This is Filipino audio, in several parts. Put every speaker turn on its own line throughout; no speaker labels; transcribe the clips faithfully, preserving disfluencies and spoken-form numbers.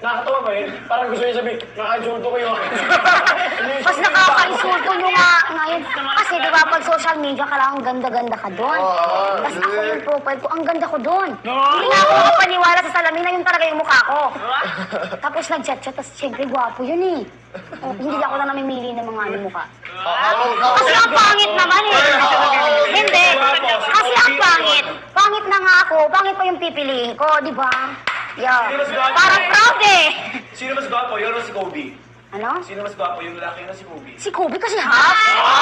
Nakakatawa ba yun? Parang gusto niya sabihin, naka-insulto ko yung...
Mas nakaka-insulto nyo nga ngayon. Kasi di ba pag social media ka lang, ang ganda-ganda ka doon. Tapos ako yung profile ko, ang ganda ko doon. Hindi na ako makapaniwala sa salamin na yun talaga yung mukha ko. Tapos nag-chat-chat, tapos siyempre gwapo yun eh. Oh, hindi ako na namimili ng mga ano mukha. Kasi ang pangit naman eh. Hindi. Kasi ang pangit. Pangit na nga ako. Pangit pa yung pipiliin ko, di ba? Yeah. Parang proud eh.
Sino mas gwapo? Yun o si Kobe?
Ano?
Sino mas gwapo? Yung lalaki na si Kobe?
Si Kobe kasi half.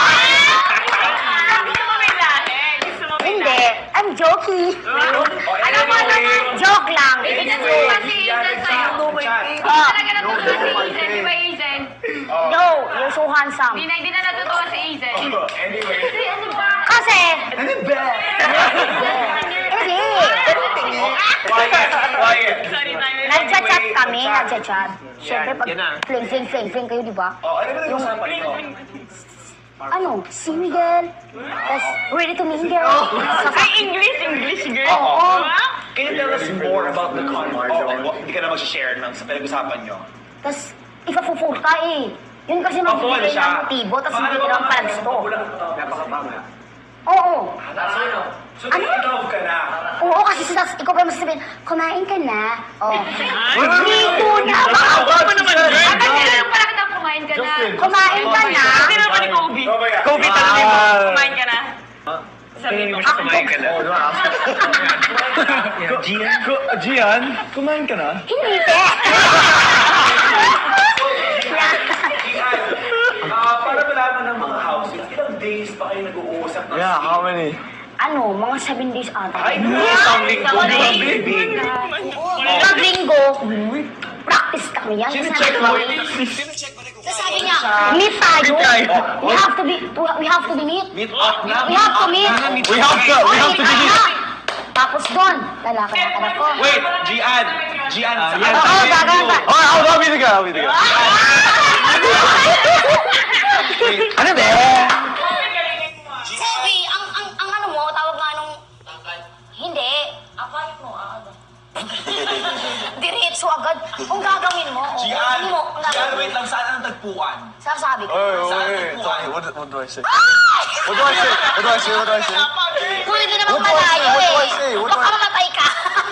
Gusto mo may lahi? Gusto mo may
Hindi. I'm joking.
Alam mo naman,
Joke lang.
Pinatuwa si Ethan sa'yo. Hindi talaga natutuwa si Ethan, di ba Ethan?
No, you're so handsome.
Hindi na, hindi na natutuwa si Ethan.
Anyway.
Kasi ano ba?
Kasi,
Ano ba?
hindi.
Quiet, quiet.
Sorry, tayo.
Nagchat-chat kami, nagchat-chat. Siyempre, pag
yan na.
fling, fling, fling, fling kayo, di ba?
Oh, ano ba nag-usapan niyo?
Ano, single, tas ready to mingle.
Ay, English, English girl.
Oo.
Can you tell us more about the con? Oh, oh, hindi ka na mag-share ng sa pinag-usapan niyo.
Tas, ipapufull ka eh. Yun kasi
Pafull
magbibigay
siya.
ng motibo, tas hindi ka naman pala gusto.
Napakapanga.
Oo.
Ano? So, in-love ka na?
Oo, kasi sa ikaw pa masasabihin, kumain ka na. Oh. Dito na.
Ako naman, girl. Bakit sila yung pala kita kumain ka na?
Kumain ka na.
Hindi naman ni Kobe.
Kobe
Tanongin mo, kumain ka na? Sabi mo.
Kumain ka na. Gian? Gian? Kumain ka na?
Hindi ka.
Ah, para malaman ng mga houses, ilang days pa kayo nag-uusap ng
Yeah, how many?
Ano, mga seven days ata.
Ay, isang linggo. Baby.
Pag linggo, practice kami yan.
Sino-check mo?
Tapos sabi niya, meet tayo. We have to be, we have to be meet.
Meet up na.
We have to meet.
We have to, we have to be here.
Tapos doon, lalaki ng anak ko.
Wait, Gian. Gian, sa
yes.
Oo, gagawin ka.
Alright, I'll, I'll be the guy, I'll be the guy. Ano ba?
Sabi, ang, ang, ang ano mo, tawag nga nung... Hindi. Akayot mo, ah, ano? Diretso agad. Kung gagawin mo, oh,
Gian,
hindi mo, ang
Gian,
gagawin.
wait lang, saan ang tagpuan?
Sasabi ko.
Wait,
Saan
wait, wait.
nagpuan?
What, what do I say? What do I say? What do I say? What do I say?
Pwede na naman
What do I say?
malayo
What do I
eh.
say? What do I-
Baka mamatay ka.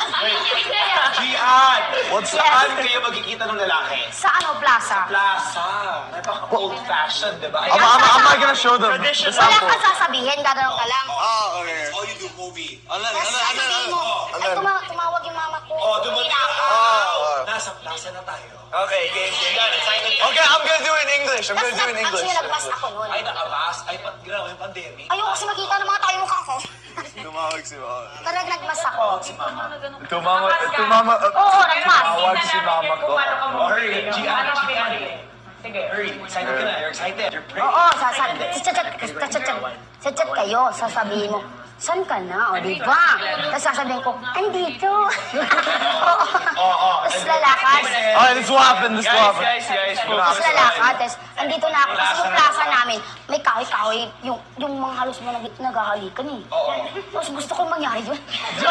Gian,
What's
saan kayo magkikita ng lalaki?
Sa ano, plaza?
Plaza. Napaka-old fashioned, di ba?
Am, am, am I gonna show them the
Traditional.
Wala
sample?
kang sasabihin, gagawin ka lang.
Oh, okay.
All you do, movie.
And then,
Tapos
and then, and then,
sasabihin mo,
and
ay
then,
tuma- tumawag yung mama ko.
Oh, dumating
Uwi na ako.
Oh,
Nasa plaza na tayo.
okay, game, game.
Gian, excited ka?
Okay, I'm gonna do it in English. I'm
Tapos
gonna do it in
nag-
English.
actually, nagmas ako nun.
Ay, nakabas. Ay, pat, grabe yung pandemic.
Ayoko kasi makita ng mga tayo mukha ko.
Tumawag si mama.
Talagang nagmas ako.
Tumama, tumama,
Oo, nagmas.
tumawag si mama ko.
Oh, hurry, Gian, Gian. Sige, hurry. Excited ka na. You're excited. You're pretty.
Oo, sasabi. Chat-chat, chat-chat, chat-chat kayo. Sasabihin mo, saan ka na? O, di ba? Tapos sasabihin ko, andito. Oo.
Oo.
Tapos lalakad.
Alright, this will happen, this will
Guys,
happen.
guys, guys.
Tapos lalakad. Tapos andito na ako. Kasi yung plaza namin, may kahoy-kahoy. Yung, yung mga halos mo nag naghahalikan eh.
Oo.
Tapos gusto ko mangyari yun.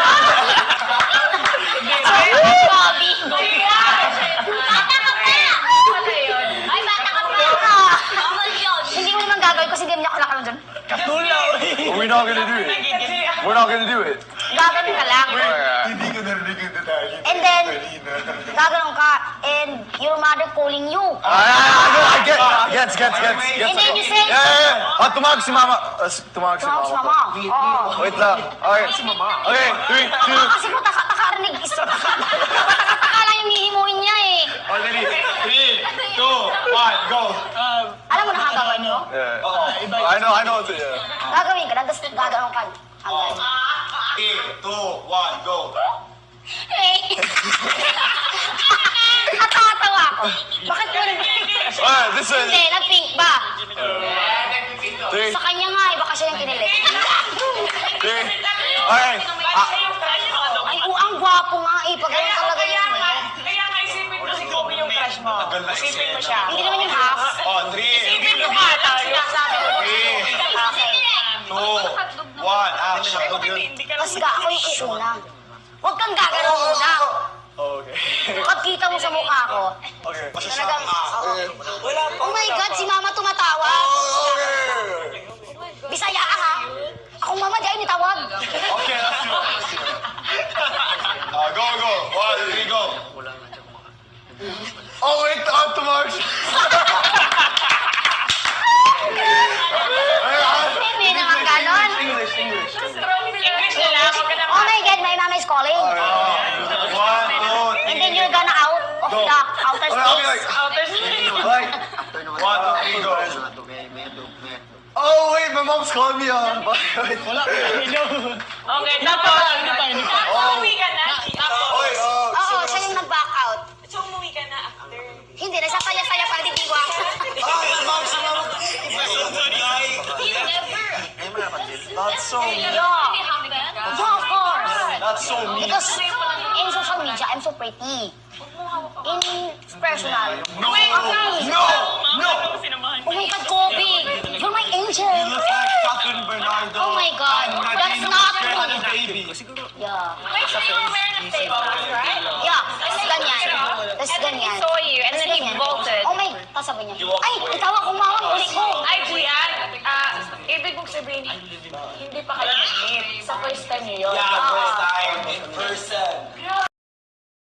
Bobby. Bata ka pa! Ano yun? Ay, bata ka pa! Bawal yun.
Hindi mo naman gagawin kasi hindi mo niya kalakalan dyan.
We're not gonna do it. We're not gonna do it.
Gagawin ka lang.
Hindi ko narinig yung detalye.
And then, gagawin ka. And your mother calling you.
Ah, I know, I get, gets, gets, gets, gets.
And then you say,
Yeah, yeah, yeah. Ah, tumawag si mama. Ah, s- tumawag si
tumawag si
mama.
mama. Oo.
Wait lang. Okay. Okay, three, two.
Kasi po, taka, takarinig. Isa, taka, taka lang yung hihimuin niya eh.
Already. Three, two, one, go.
Alam mo na gagawin nyo?
Yeah. I know, I know. what to- Yeah.
Gagawin ka lang, tapos gagawin ka. Agad.
Three, two, one, go.
Eh. Natatawa ako. Bakit mo nag...
Alright, this is
Hindi, nag-pink ba?
three,
Sa kanya nga, iba kasi yung kinilig.
three. Alright. Ah,
Ay, oh, ang gwapo nga eh. Pagawin talaga yun. eh.
Kaya nga isipin mo si Kobe yung crush mo.
Tagal na
Isipin mo
isip.
siya.
Hindi naman yung half.
Oh, three,
Isipin mo ka tayo.
Sinasabi ko.
Three.
Okay.
two, one, action.
Tapos ga, ako yung iuna. Huwag kang gagalaw muna.
okay.
Pag kita mo sa mukha ko,
Okay.
Talagang, oo.
Wala pa.
Oh my God, si Mama tumatawa. Bisaya ka ha? Akong mama, di ay nitawag.
Okay, let's do it. Uh, go, go. One, three, go. Oh, wait, not too much.
Hindi naman ganon.
English, English.
English na lang. Huwag ka na
Oh my God, my mama is calling.
One, two,
And then you're gonna out of
Go.
the outer
Okay, okay, like,
space.
outer space.
like, one, two, three, go. Oh, wait, my mom's calling me on. Wait, wala.
Okay, tapos.
Oh.
Umuwi ka na.
Okay, uh,
Oo, siya yung nag-back out.
So, umuwi ka na after.
Hindi, nagsasaya-saya pa, hindi tiwa.
That's so,
Yeah. Yeah, of course.
that's so mean.
Because in social media, I'm so pretty. In personal,
No,
okay.
no, no.
Oh my God, Kobe, you're my angel.
You look like Catherine Bernardo.
Oh my God, that's not
Had a
true.
baby.
Yeah.
Wait, so you were wearing a face mask, right?
Yeah, tas ganyan. Tas ganyan.
saw you, and
Tas
then he
ganyan.
bolted.
Oh my, tas sabi niya, ay, itawag kong mama, uli ko.
Ay, Gian, ah, ibig mong sabihin, hindi pa kayo nag-meet. Sa first time niyo yun.
Yeah, first time in person.